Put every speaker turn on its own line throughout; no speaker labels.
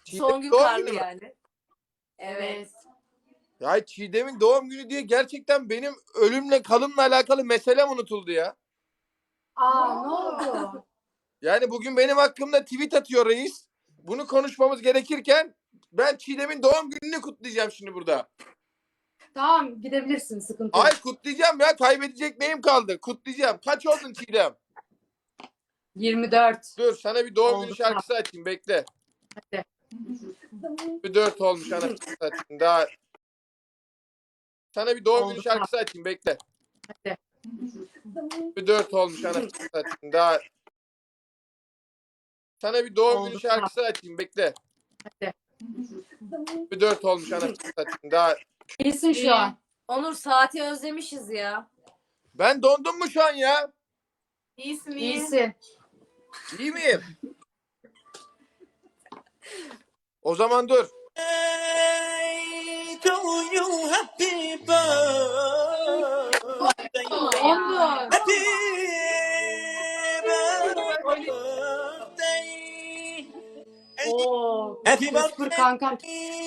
Son gün
doğum
karlı
günü mü?
yani. Evet.
Ya Çiğdem'in doğum günü diye gerçekten benim ölümle kalımla alakalı meselem unutuldu ya.
Ne oldu?
Yani bugün benim hakkımda tweet atıyor reis. Bunu konuşmamız gerekirken ben Çiğdem'in doğum gününü kutlayacağım şimdi burada.
Tamam gidebilirsin, sıkıntı yok.
Ay kutlayacağım ya, kaybedecek neyim kaldı? Kutlayacağım. Kaç oldun Çiğdem?
24.
Dur sana bir doğum günü
Oldu,
şarkısı açayım, bekle.
Hadi.
Bir 4 olmuş anasını satayım daha. Sana bir doğum günü
Oldu,
şarkısı açayım, bekle.
Hadi.
Bir 4 olmuş anasını satayım daha. Sana bir doğum
Oldu,
günü şarkısı açayım, bekle.
Hadi.
Bir 4 olmuş anasını satayım daha.
İyisin şu an.
Onur saati özlemişiz ya.
Ben dondum mu şu an ya?
İyisin iyi.
İyisin.
İyi miyim? O zaman dur.
Onur. Oo. Kıskır kankam.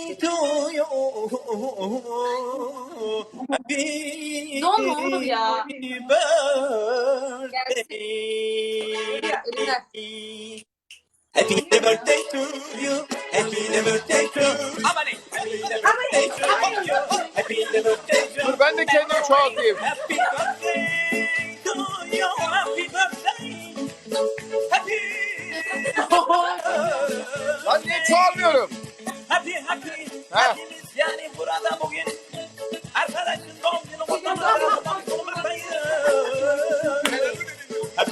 Donma Onur ya. Gelsin. Elinden.
Happy birthday to you. Happy birthday to you. Happy birthday to you. Happy birthday to you.
Dur ben de kendimi çoğaltayım.
Happy birthday to you. Happy birthday. Happy.
Lan niye çoğalmıyorum?
Happy.
Ha.
Hepimiz yani burada bugün arkadaşın doğum günü kutlamayı. Happy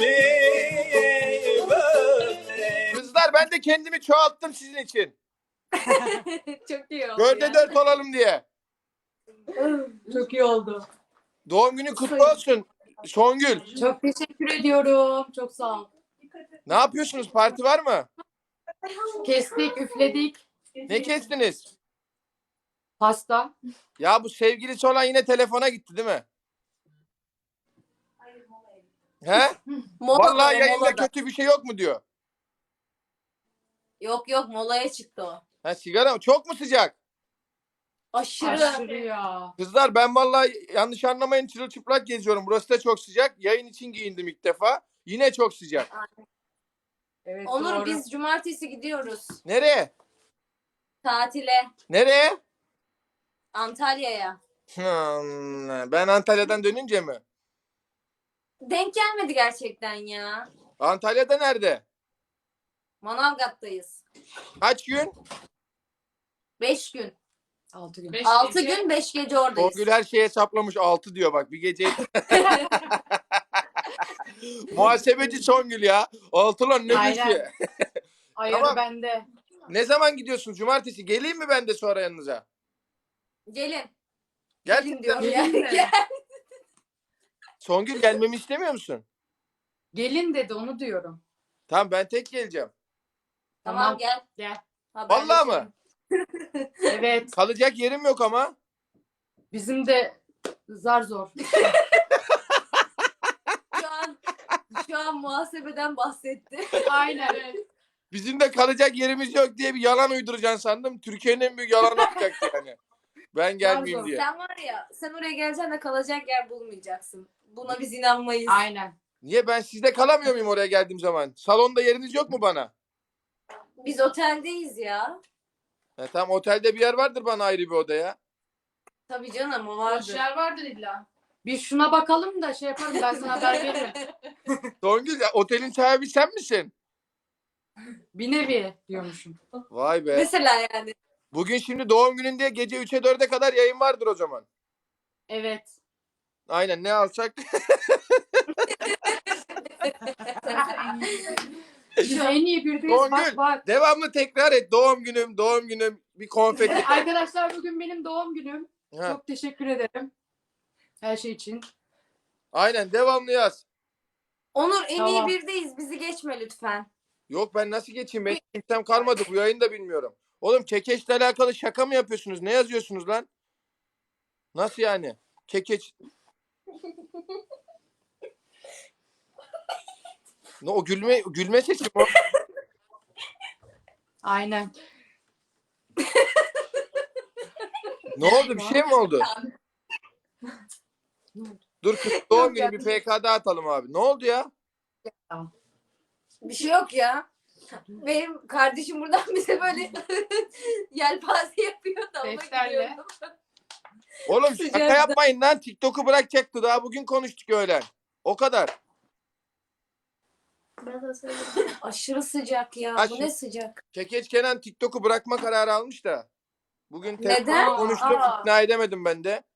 birthday.
Kızlar ben de kendimi çoğalttım sizin için.
Çok iyi oldu.
Dörde
ya.
4 olalım diye.
Çok iyi oldu.
Doğum günü kutlu olsun Songül.
Çok teşekkür ediyorum. Çok sağ ol.
Ne yapıyorsunuz? Parti var mı?
Kestik, üfledik.
Ne kestiniz?
Pasta.
Ya bu sevgilisi olan yine telefona gitti değil mi? He?
Molada,
Vallahi yayında
molada.
kötü bir şey yok mu diyor.
Yok molaya çıktı o.
Ha sigara mı? Çok mu sıcak?
Aşırı.
Aşırı ya.
Kızlar ben vallahi yanlış anlamayın çırılçıplak geziyorum. Burası da çok sıcak. Yayın için giyindim ilk defa. Yine çok sıcak.
Evet,
Onur
doğru.
biz cumartesi gidiyoruz.
Nereye?
Tatile.
Nereye?
Antalya'ya.
Ben Antalya'dan dönünce mi?
Denk gelmedi gerçekten ya.
Antalya'da nerede?
Manavgat'tayız.
Kaç gün?
5 gün.
6 gün.
6 gün 5 gece oradayız.
Songül her şeyi hesaplamış 6 diyor bak bir gece. Muhasebeci Songül ya. 6 lan ne
Aynen.
büyük.
Ayarı
Tamam.
bende.
Ne zaman gidiyorsunuz? Cumartesi. Geleyim mi ben de sonra yanınıza?
Gelin.
Gerçekten
Gelin diyorum
mi?
ya.
Gelin de.
Gel.
Songül gelmemi istemiyor musun?
Gelin dedi, onu diyorum.
Tamam ben tek geleceğim.
Tamam gel.
Gel.
Vallahi mı?
Evet.
Kalacak yerim yok ama.
Bizim de zar zor.
Şu an muhasebeden bahsetti.
Aynen.
Bizim de kalacak yerimiz yok diye bir yalan uyduracaksın sandım. Türkiye'nin en büyük yalanı olacaktı yani. Ben gelmeyeyim
Pardon.
diye.
Sen var ya sen oraya geleceksin de kalacak yer bulmayacaksın. Buna biz inanmayız.
Aynen.
Niye ben sizde kalamıyor muyum oraya geldiğim zaman? Salonda yeriniz yok mu bana?
Biz oteldeyiz ya.
Tamam otelde bir yer vardır bana ayrı bir odaya.
Tabii canım o vardır.
yer vardır illa. Bir şuna bakalım da şey yaparım, ben sana haber veririm.
Songül otelin sahibi sen misin?
Bir nevi diyormuşum.
Vay be.
Mesela yani.
Bugün şimdi doğum günün diye gece 3'e 4'e kadar yayın vardır o zaman.
Evet.
Aynen ne alsak?
Biz en iyi birdeyiz. Bak
Songül
bak.
devamlı tekrar et. Doğum günüm bir konfeti.
Arkadaşlar bugün benim doğum günüm.
Ha,
Çok teşekkür ederim. Her şey için.
aynen devamlı yaz.
Onur en iyi
Tamam.
birdeyiz. Bizi geçme lütfen.
Yok ben nasıl geçeyim? Benim kimsem kalmadı. Bu yayını da bilmiyorum. Oğlum kekeçle alakalı şaka mı yapıyorsunuz? Ne yazıyorsunuz lan? Nasıl yani? Kekeç. Ne o gülme sesi mi o?
Aynen.
Ne oldu? Bir şey mi oldu? Dur kız doğum günü bir PK'da atalım abi. Ne oldu ya?
Bir şey yok ya. Benim kardeşim buradan bize böyle yelpaze yapıyor da ona
Defterle.
gülüyorum.
Oğlum şaka
Sıcakta.
yapmayın lan. TikTok'u bırakacaktı. Daha bugün konuştuk öğlen. O kadar.
Aşırı sıcak ya.
Aç
Bu
şu-
ne sıcak?
Kekeç Kenan TikTok'u bırakma kararı almış da. Bugün
Neden?
telefonla konuştuk.
Aa.
İkna edemedim ben de.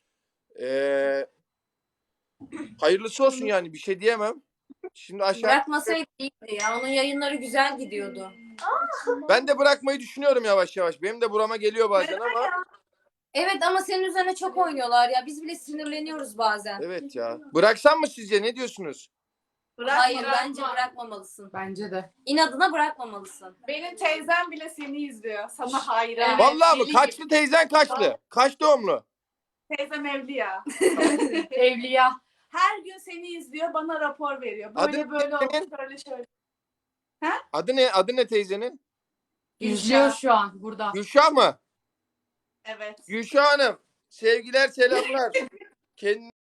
Hayırlısı olsun yani. Bir şey diyemem. Şimdi aşağı...
Bırakmasaydı iyiydi ya. Onun yayınları güzel gidiyordu.
Ben de bırakmayı düşünüyorum yavaş yavaş. Benim de burama geliyor bazen ama.
Evet ama senin üzerine çok oynuyorlar ya. Biz bile sinirleniyoruz bazen.
Evet ya. Bıraksam mı sizce? Ne diyorsunuz?
Hayır
Bırakma.
bence bırakmamalısın.
Bence de.
İnadına bırakmamalısın.
Benim teyzem bile seni izliyor. Sana hayran.
Evet.
Vallahi mı?
deli
Kaçlı teyzen kaçlı? Kaç doğumlu?
Teyzem evli ya.
Evliya.
Her gün seni izliyor, bana rapor veriyor. Böyle
Adı
böyle oldu,
senin?
şöyle şöyle.
Adı ne? Adı ne teyzenin?
İzliyor şu an burada.
Gülşah mı?
Evet.
Gülşah Hanım. Sevgiler selamlar. Kendine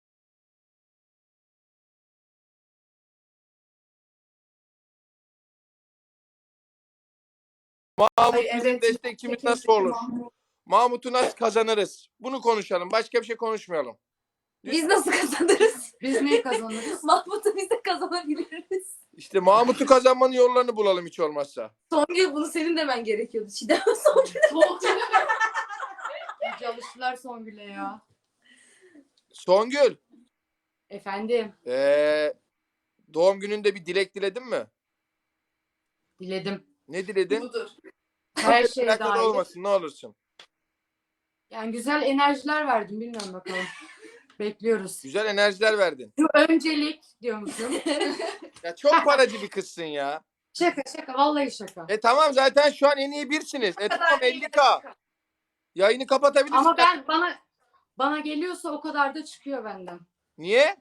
Mahmut
Ay,
bizim
evet.
destekçimiz nasıl olur? Mahmut'u nasıl kazanırız? Bunu konuşalım. Başka bir şey konuşmayalım.
Biz nasıl kazanırız?
Biz neyi kazanırız?
Mahmut'u biz de kazanabiliriz.
İşte Mahmut'u kazanmanın yollarını bulalım hiç olmazsa.
Songül bunu senin demen gerekiyordu. Çiğdem Songül.
Çalıştılar Songül'e ya.
Songül,
Efendim.
doğum gününde bir dilek diledin mi?
Diledim.
Ne diledin?
Budur.
Her şey
Plakada
dahil.
olmasın ne olursun.
Yani güzel enerjiler verdim. Bilmiyorum bakalım. Bekliyoruz.
Güzel enerjiler verdin.
Şu öncelik diyormuşum.
Ya çok paracı bir kızsın ya.
Şaka şaka. Vallahi şaka.
Tamam zaten şu an en iyi birsiniz. Tamam 50K. Yayını kapatabilirsin.
Ama bana geliyorsa o kadar da çıkıyor benden.
Niye?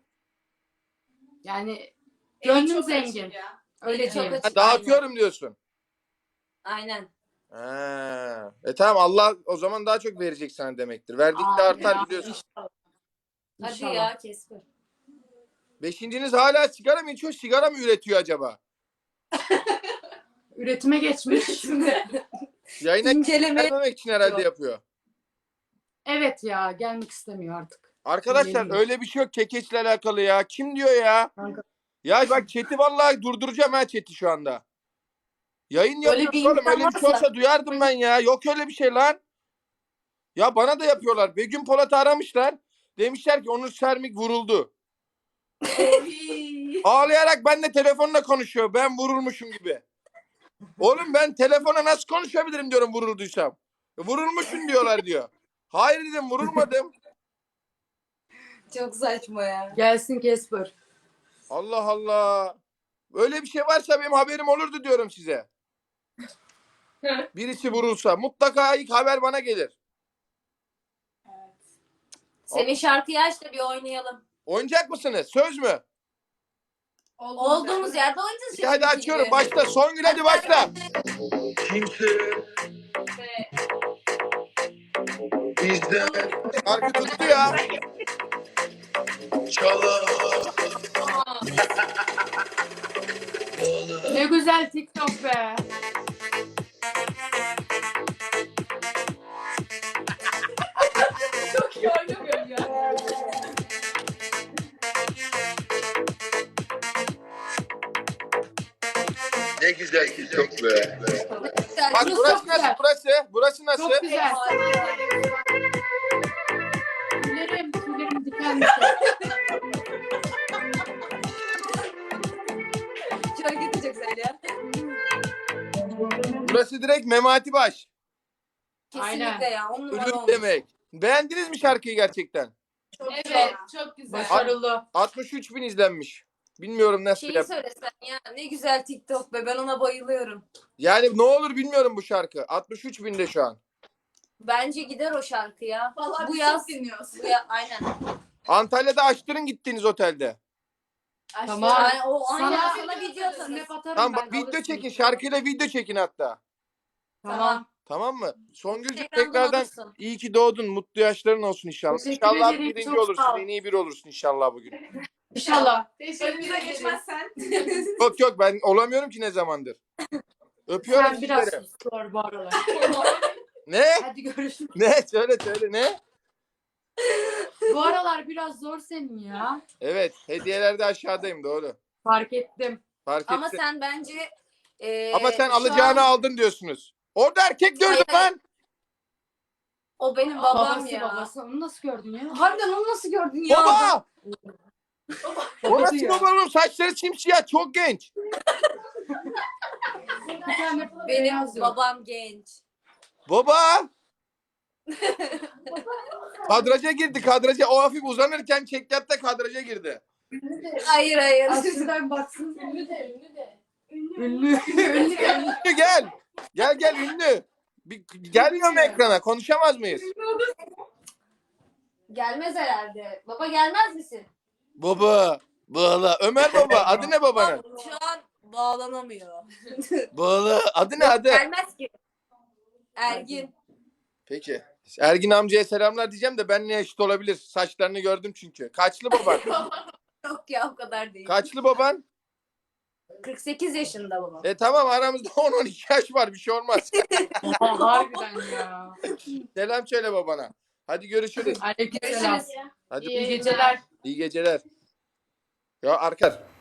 Yani
Eli
gönlüm
çok
zengin.
açık ya.
Öyle
Çok
diyeyim.
açık.
Ha, dağıtıyorum diyorsun.
Aynen.
Ha. Tamam Allah o zaman daha çok verecek sana demektir. Verdikçe artar
Ya,
biliyorsun.
İnşallah.
Hadi
İnşallah.
ya Kesper.
Beşinciniz hala sigara mı içiyor? Sigara mı üretiyor acaba?
Üretime geçmiş.
Yayına
İnceleme.
gelmemek için herhalde yapıyor.
Evet ya gelmek istemiyor artık.
Arkadaşlar
Öyle
öyle bir şey yok kekeçle alakalı ya. Kim diyor ya?
Kanka.
Ya bak chat'i vallahi durduracağım ha chat'i şu anda. Yayın
Öyle
yapıyoruz
bir
oğlum.
imkan
Öyle bir şey
varsa-
olsa duyardım ben ya. Yok öyle bir şey lan. Ya bana da yapıyorlar. Begüm Polat'ı aramışlar. Demişler ki Onur Sermik vuruldu. Ağlayarak benimle telefonla konuşuyor. Ben vurulmuşum gibi. Oğlum ben telefona nasıl konuşabilirim diyorum vurulduysam. Vurulmuşsun diyorlar diyor. Hayır dedim vurulmadım.
Çok saçma ya.
Gelsin Kesper.
Allah Allah. Öyle bir şey varsa benim haberim olurdu diyorum size. Birisi vurulsa mutlaka ilk haber bana gelir.
Senin şarkıyı aç da bir oynayalım.
Oynayacak mısınız? Söz mü?
Olduğumuz yerde oynayacağız.
İyi, hadi
şimdiki
açıyorum.
gibi.
Başla. Songül hadi başla.
Kimse bizden
Şarkı tuttu ya.
çalamaz.
Ne güzel TikTok be.
Çok iyi oynamıyorum ya.
Ne güzel ki çok be.
Güzel.
Bak
Burası
burası
çok güzel.
nasıl? Burası nasıl?
Çok güzel.
Harika.
Tüylerim diken diken.
Şarkı da çok güzel ya.
Burası direkt Memati Baş.
Kesinlikle
Aynen.
ya. On numara
Ürün
olmuş.
demek. Beğendiniz mi şarkıyı gerçekten?
Çok
Evet.
güzel. Çok güzel.
Başarılı.
63 bin izlenmiş. Bilmiyorum nasıl
Şeyi
yap.
söylesen ya. Ne güzel TikTok be. Ben ona bayılıyorum.
Yani ne olur bilmiyorum bu şarkı. 63 binde şu an.
Bence gider o şarkı ya.
Vallahi
Bu
biz
yaz.
çok dinliyoruz.
Aynen.
Antalya'da açtırın gittiğiniz otelde.
Tamam.
Aynen. O aynen
Sana-
sana video atarız.
Snap atarım
Tamam
ben,
bak video
alırsın.
çekin. Şarkıyla video çekin hatta.
Tamam.
Tamam mı? Songülcüğüm
Instagram'dan
tekrardan
alırsın.
iyi ki doğdun. Mutlu yaşların olsun inşallah.
Teşekkür
İnşallah
ederim,
birinci
çok
olursun.
sağ ol.
En iyi biri olursun inşallah bugün.
İnşallah.
Önümüze geçmezsen.
Yok yok ben olamıyorum ki ne zamandır. Öpüyorum
Sen biraz
sizleri.
sus bu aralar.
Ne?
Hadi görüşürüz.
Ne? Söyle ne?
Bu aralar biraz zor senin ya.
Evet hediyelerde aşağıdayım doğru.
Fark ettim.
Fark ettim.
Ama sen bence
Ama sen
şu
alacağını
an
aldın diyorsunuz. Orada erkek gördüm
Hayır.
lan.
o benim babam
Babası
ya.
babası. Onu nasıl gördün ya?
Harbiden onu nasıl gördün ya?
Baba! O
Babası
nasıl
ya.
baba oğlum? Saçları simsiyah çok genç.
Bir tane
Benim
beyaz yok.
babam genç.
Baba! Kadraja girdi kadraja. O hafif uzanırken çekyatta kadraja girdi.
Hayır hayır.
Aslında baksın.
Ünlü de ünlü de.
Ünlü. Ünlü.
Ünlü gel. Gel ünlü. Gelmiyor mu ekrana? Konuşamaz mıyız?
Gelmez herhalde. Baba gelmez misin?
Baba. Bağla. Ömer baba. Adı ne babanın?
Şu an bağlanamıyor.
Bağla. Adı ne adı?
Gelmez ki. Ergin.
Peki. Ergin amcaya selamlar diyeceğim de benimle eşit olabilir. Saçlarını gördüm çünkü. Kaçlı baban?
Yok ya o kadar değil.
Kaçlı baban?
48 yaşında babam.
Tamam aramızda 10-12 yaş var. Bir şey olmaz.
Aa, harbiden ya.
Selam söyle babana. Hadi görüşürüz.
Aleykümselam.
Görüşürüz.
Hadi
İyi geceler.
iyi geceler. Ya arkadaşlar